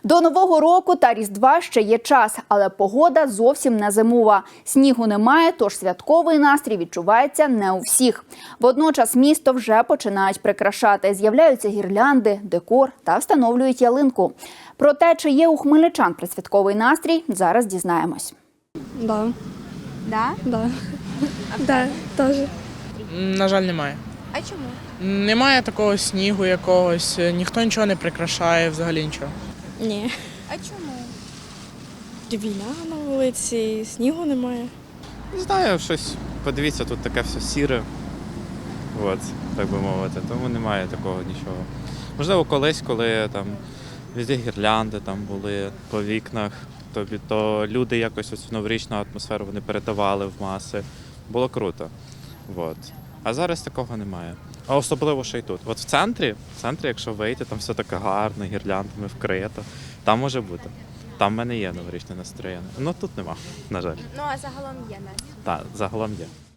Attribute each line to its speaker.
Speaker 1: До Нового року та Різдва ще є час, але погода зовсім не зимова. Снігу немає, тож святковий настрій відчувається не у всіх. Водночас місто вже починають прикрашати. З'являються гірлянди, декор та встановлюють ялинку. Про те, чи є у хмельничан предсвятковий настрій, зараз дізнаємось.
Speaker 2: Да.
Speaker 3: Да?
Speaker 2: Да. Да, теж.
Speaker 4: На жаль, немає.
Speaker 3: А чому?
Speaker 4: Немає такого снігу якогось, ніхто нічого не прикрашає, взагалі нічого.
Speaker 2: Ні.
Speaker 3: А чому?
Speaker 2: Війна на вулиці, снігу немає.
Speaker 5: Не знаю, щось. Подивіться, тут таке все сіре. От, так би мовити. Тому немає такого нічого. Можливо, колись, коли там везде гірлянди там були по вікнах, то люди якось оцю новорічну атмосферу вони передавали в маси. Було круто. От. А зараз такого немає. А особливо ще й тут. От в центрі, якщо вийти, там все таке гарно, гірляндами вкрито. Там може бути. Там в мене є новорічне настроєння. Ну тут нема, на жаль.
Speaker 3: Ну, а загалом є нас.
Speaker 5: Так, загалом є.